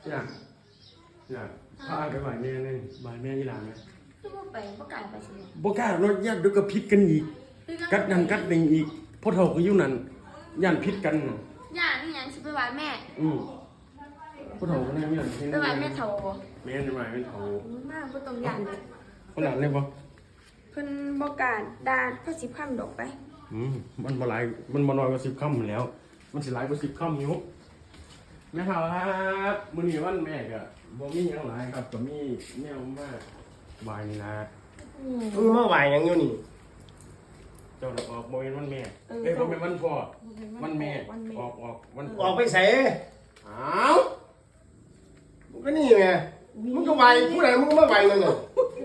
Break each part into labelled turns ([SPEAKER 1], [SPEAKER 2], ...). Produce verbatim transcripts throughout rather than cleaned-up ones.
[SPEAKER 1] อยากอยากพาไปบ่ายแม่นี่บ่ายแม่ยี่หลานไหม
[SPEAKER 2] คือว่าไปบ่กล้าไปสิ
[SPEAKER 1] บ่กล้ารถญาติดูก็ผิดกันอีกกัดนั่นกัดนี่อีกพ่อเฒ่าก็อยู่นั่นย่านผิดกัน
[SPEAKER 2] ย่านี่ยังสิไปไหว้แม่
[SPEAKER 1] อือพ่อเฒ่าก็นั่งอยู่นั่น
[SPEAKER 2] ไปไหว้แม่เฒ่าบ่
[SPEAKER 1] แม่นไหว้แม่เฒ่า
[SPEAKER 2] มากบ่ต้องย่านเลย
[SPEAKER 1] คนหลานเลยบ่
[SPEAKER 2] เพิ่นบ่กล้าด่าพระสิบคำดอกไป
[SPEAKER 1] อืมมันบ่หลายมันบ่น้อยกว่าสิบค่ำแล้ว มันสิหลายกว่าสิบค่ำอยู่แม่เฒ่าครับมื้อนี้วันแม่ก็บ่มีหยังหลายครับก็มีแนวมาบ่ายนี่นะ
[SPEAKER 3] มึงมาไหวหยังอยู่นี่
[SPEAKER 1] เจ้าออกบ่เป็นวันแม่เอ้ยบ่เป็นวันพ่อวันแม่ออกออกวัน
[SPEAKER 3] ออกไปใส่
[SPEAKER 1] อ้าว
[SPEAKER 3] มึงก็นี่ไงมึงก็ไหวผู้ใดมึงก็มาไหวนั่นน่ะ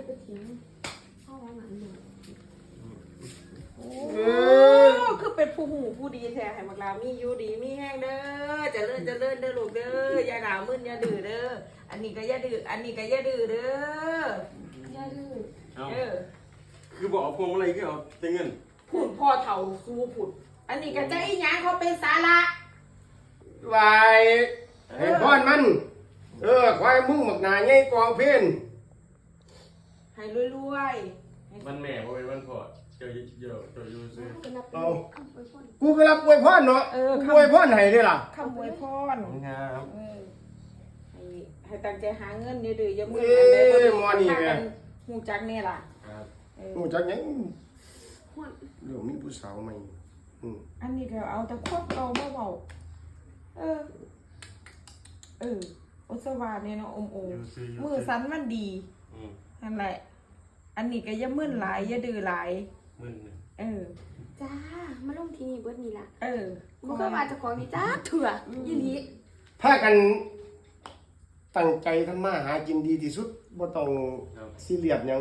[SPEAKER 3] เออ
[SPEAKER 4] คือเป็นผู้หูผู้ดีแท้ให้มักลามีอยู่ดีมีแห้งเด้อเจะเลื่อนจะเลื่อนเด้อลูกเด้ออย่าหนาวมึนอย่าดื้อเด้ออันนี้ก็อย่าดื้ออันนี้ก็อย่าดื้อเด้อย่
[SPEAKER 2] าดื้อ
[SPEAKER 1] เอา
[SPEAKER 4] เออ
[SPEAKER 1] คือบอกเอาพวงมาลัยคือเอาแต่เงิน
[SPEAKER 4] พูดพ่อเฒ่าสู้ผุดอันนี้ก็ใจอีหยังเขาเป็นสาระ
[SPEAKER 3] ไหวให้พรมัน เออควายมึงหมักหนาใหญ่กองเพน
[SPEAKER 4] ให้รวยๆให้
[SPEAKER 1] วันแม่บ่เป็นวันพ่อเจ้าเยอะเจ้าอยู่ซื่อ
[SPEAKER 2] เป็นนับเป็นคำอวยพร
[SPEAKER 3] กูไปรับอวยพรเนาะกูอวยพรให้เด้ล่ะ
[SPEAKER 4] คำอวยพร
[SPEAKER 1] ครับ
[SPEAKER 4] เออให้ให้ตั้งใจหาเงินเดื้อๆอย่ามึน
[SPEAKER 3] เอ้
[SPEAKER 4] อันใดบ่ดี
[SPEAKER 3] หมอนี่แม่
[SPEAKER 4] ฮู้จักแน่ล่ะ
[SPEAKER 1] ครับ
[SPEAKER 4] เออ
[SPEAKER 3] กูจักหยัง
[SPEAKER 2] ฮ้อน
[SPEAKER 3] เรื่องมีผู้สาวใหม่อืม
[SPEAKER 4] อันนี้ก็เอาแต่ควบเอาเบาๆเออ เอออุสวาเนี่ยเนาะอมโอ
[SPEAKER 1] อยู่ซื่ออยู่
[SPEAKER 4] มือสันมันดี
[SPEAKER 1] อืม
[SPEAKER 4] นั่นแหละ อันนี้ก็อย่ามึนหลายอย่าดื้อหลาย
[SPEAKER 1] มึนเนี่ย
[SPEAKER 4] เออ
[SPEAKER 2] จ้ามาลงที่นี่เบิดนี่ล่ะ
[SPEAKER 4] เออ
[SPEAKER 2] บ่เคยว่าเจ้าของนี่จ้าเถื่ออีหลี
[SPEAKER 3] พากันตั้งใจทำมาหากินดีที่สุดบ่ต้อง
[SPEAKER 1] ครับ
[SPEAKER 3] ซีเรียสหยัง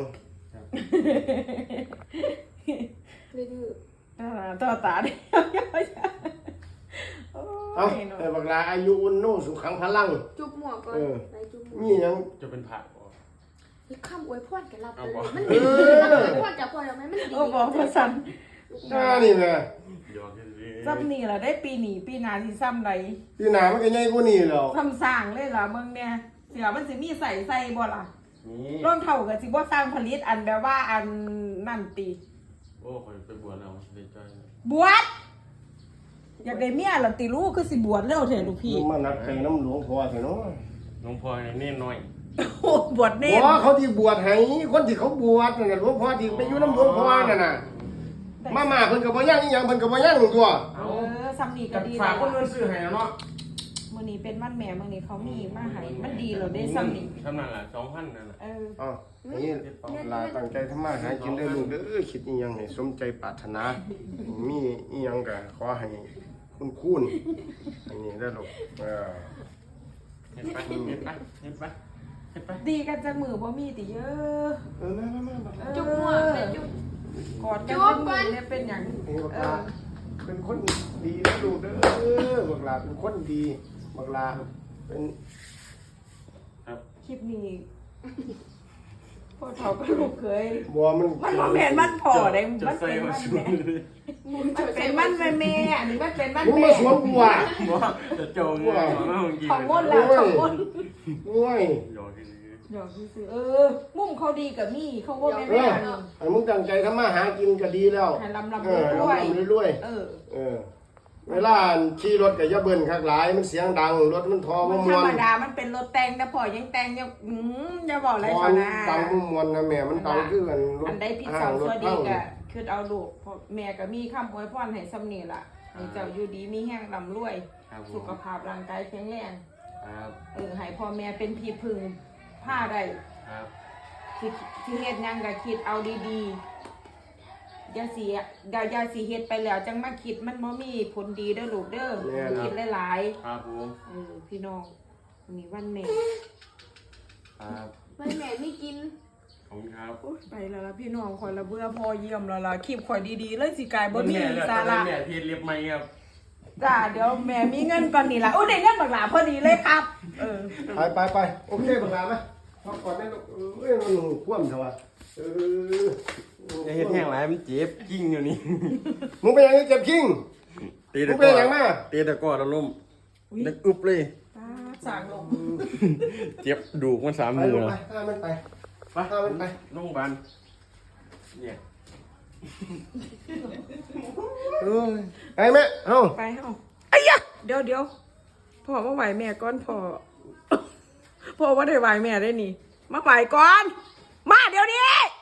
[SPEAKER 2] เลยดื้อ
[SPEAKER 4] อ่าต่อตาเดียวโอ้
[SPEAKER 3] เอ้าย
[SPEAKER 4] เนาะ
[SPEAKER 3] ให้บักลาอายุอุนโนสุขังพลัง
[SPEAKER 2] จุบหมวกก่อน
[SPEAKER 3] เออ
[SPEAKER 2] ไปจุบหมว
[SPEAKER 3] มี
[SPEAKER 2] ก
[SPEAKER 3] หยัง
[SPEAKER 1] จะเป็นผักบ่
[SPEAKER 2] คือคำอวยพรกันรับไป
[SPEAKER 1] เอา
[SPEAKER 2] เล
[SPEAKER 1] บ่
[SPEAKER 2] ยมัน
[SPEAKER 3] เอ
[SPEAKER 2] ดี
[SPEAKER 3] อ
[SPEAKER 2] คำอวยพรจากพ่อแล้วไหมมันดี
[SPEAKER 4] โอ้บอกว่าสัน
[SPEAKER 3] อ่านี่แม่
[SPEAKER 1] หยอกกันซื่อ
[SPEAKER 4] ซ้ำนี่ล่ะได้ปีหนีปีหนาที่ซ้ำไร
[SPEAKER 3] พี่หนามันก็ใหญ่กว่านี้แล้ว
[SPEAKER 4] ซ้ำสร้างเลยล่ะเมืองเนี่ยเสือมันสิมีใส่ใส่บ่ล่ะ
[SPEAKER 1] นี่
[SPEAKER 4] ร่องเท่ากับสิบ่สร้างผลิตอันแบบว่าอันนั่นตี
[SPEAKER 1] โอ้ข่อยไปบวชแล้วดีใจ
[SPEAKER 4] บวชอยากได้เมียล่ะติลูกคือสิบวชแล้วเถอะลูกพี่
[SPEAKER 3] มึงมานักใส่น้ำหลวงพ่อเถอะเนาะ
[SPEAKER 1] น้องพ่อนี่น้อย
[SPEAKER 4] โอ้บวชเน่
[SPEAKER 3] บ่เขาที่บวชให้คนที่เขาบวชนั่นน่ะหลวงพ่อที่ไปอยู่น้ำหลวงพ่อนั่นน่ะมามาเพิ่นก็บ่ย่างอีหยังเพิ่นก็บ่ย่างตัว
[SPEAKER 4] เออซ้ำนี่ก็ดี
[SPEAKER 1] ฝากคน
[SPEAKER 4] แล้
[SPEAKER 1] เงิ
[SPEAKER 4] วน
[SPEAKER 1] ซื้อให้เนาะ
[SPEAKER 4] มื้อนี้เป็นวันแม่มื้อนี้เขามีมาให้มันดีแล้วได้ซ้ำนี่
[SPEAKER 1] ทำนั่นล่ะสองพันนั่นน่ะ
[SPEAKER 4] เออ
[SPEAKER 3] อ๋อนี่ลาตั้งใจทำมาหากินได้ลูกเด้อคิดอีหยังให้สมใจปรารถนา มีอีหยังก็ขอให้คุณคุณอันนี้ได้อลูกเออ
[SPEAKER 1] เห็นปะเห็นปะเห็นปะเห็นปะ
[SPEAKER 4] ดีกันจังมือบ่มีติเยอะ
[SPEAKER 3] เออมามามา
[SPEAKER 4] เออ
[SPEAKER 2] จุบหมวกเป็นจุบ
[SPEAKER 4] กอดกันจังมือเนี่ยเป็นหยัง
[SPEAKER 3] นี่บัก
[SPEAKER 4] เอ
[SPEAKER 3] ลา
[SPEAKER 4] อ
[SPEAKER 3] เป็นคนดีนะลูกเด้อบักลาเป็นคนดีบักลาเป็น
[SPEAKER 1] ครับ
[SPEAKER 4] คลิปนี้พ่อเฒ่าก็ลูกเคย
[SPEAKER 3] บัวมัน
[SPEAKER 4] มันบ่แม่นมันพ่อได้
[SPEAKER 1] จะ
[SPEAKER 4] มัน
[SPEAKER 1] ใส่
[SPEAKER 4] เป็น
[SPEAKER 1] มา
[SPEAKER 4] มัน
[SPEAKER 1] ชุด
[SPEAKER 4] แม่
[SPEAKER 1] เลย
[SPEAKER 4] มันเป็นมันแม่แม่อันนี้มันเป็นมัน
[SPEAKER 3] มึง
[SPEAKER 4] แม่
[SPEAKER 3] มาสวมบัว
[SPEAKER 1] บ่จะโจงเลยมาเมื่อกี้
[SPEAKER 4] ของมดแล้วของมด
[SPEAKER 3] โอ้ย
[SPEAKER 1] หยอกกัน
[SPEAKER 4] หยอกซื่อๆเออ มุมเขาดีกับมี่เขาก็แม่
[SPEAKER 3] เอ
[SPEAKER 4] แม่
[SPEAKER 3] อให้มึงตั้งใจทำมาหากินก็ดีแล้ว
[SPEAKER 4] ให้ลำลำ
[SPEAKER 3] เออ
[SPEAKER 4] รวย
[SPEAKER 3] ลำๆรวย
[SPEAKER 4] เออ
[SPEAKER 3] ๆเออ เวลาขี่รถก็อย่าเบิ่นคักหลายมันเสียงดังรถมันทอ
[SPEAKER 4] มั
[SPEAKER 3] บ่
[SPEAKER 4] น
[SPEAKER 3] ม
[SPEAKER 4] ธร
[SPEAKER 3] ว
[SPEAKER 4] รม
[SPEAKER 3] น
[SPEAKER 4] ดามันเป็นรถแต่งแต่พอยังแต่งยังอืมอย่าบอกอะไร
[SPEAKER 3] ทอ
[SPEAKER 4] เขา
[SPEAKER 3] น
[SPEAKER 4] นะ
[SPEAKER 3] ดังบ่มวนนะแม่มันดังคือกันรถ
[SPEAKER 4] อันใดผิด
[SPEAKER 3] ห้า
[SPEAKER 4] สอง ง
[SPEAKER 3] ร
[SPEAKER 4] ตั
[SPEAKER 3] ถ
[SPEAKER 4] วดี
[SPEAKER 3] เฮา
[SPEAKER 4] ก็คือเอาลูกเพราะแม่ก็มีคำอวยพรให้ซ้ำนี่ล่ะให้เจ้าอยู่ดีมีแห้งลำรวย
[SPEAKER 1] ครับผ
[SPEAKER 4] สุ
[SPEAKER 1] ม
[SPEAKER 4] ขภาพร่างกายแข็งแรง
[SPEAKER 1] ครับ
[SPEAKER 4] เออให้พ่อแม่เป็นที่พึ่งผ้าได้
[SPEAKER 1] ครับ
[SPEAKER 4] ที่ที่เฮ็ดหยังก็คิดเอาดีๆอย่าสิอย่าอย่าสิเฮ็ดไปแล้วจังมาคิดมันบ่มีผลดีเด้อลูกเด้อคิดหลาย
[SPEAKER 1] ครับผม
[SPEAKER 4] ๆเออพี่น้องวันนี้วันแม่
[SPEAKER 1] ครับ
[SPEAKER 2] วันแม่ไม่กิน
[SPEAKER 1] ขอบคุณครับ
[SPEAKER 4] โอ๊ยไปแล้วล่ะพี่น้องข่อยละเบื่อพอเยี่ยมแล้วล่ะคลิปข่อยดีๆเลยสิกลายบ่มีสาระ
[SPEAKER 1] แม่เทียนเรียบไหมครับ
[SPEAKER 4] จ้าเดี๋ยวแม่มีเงินก่อนนี่ล่ะโอ้ได้เงินบักหลาพอดีเลยครับ เออ
[SPEAKER 3] ไปไปไปโอเคบักลาไหมพักก่อนได้ลูกเอ้ยมันคว่ำเถอะวะเออ
[SPEAKER 1] จะเฮ็ดแห้งไรมันเจ็บกิ้งอยู่นี่
[SPEAKER 3] มึงเป็นยังไงเจ็บคิง
[SPEAKER 1] ตี
[SPEAKER 3] มึ
[SPEAKER 1] ตะ
[SPEAKER 3] ง
[SPEAKER 1] ก
[SPEAKER 3] เป็น
[SPEAKER 1] ร้อ
[SPEAKER 3] ยังไงมา
[SPEAKER 1] ตีตะกร้อแล้วล้มนึกอึบเลย
[SPEAKER 4] สาสางลง
[SPEAKER 1] เจ็บดูกมันสาม
[SPEAKER 3] ไป
[SPEAKER 1] มือ
[SPEAKER 3] ลง
[SPEAKER 1] แล้ว
[SPEAKER 3] ไปพามันไป
[SPEAKER 1] ไป
[SPEAKER 3] พามันไป
[SPEAKER 1] โรงพยาบาลเนี่ย
[SPEAKER 3] เอ้ยไปแม่เอ้า
[SPEAKER 4] ไปเฮาไอ้ยะเดี๋ยวเดี๋ยวพ่อมาไหวแม่ก่อนพ่อ พ่อว่าได้ไหวแม่ได้นี่ มาไหวก่อน มาเดี๋ยวนี้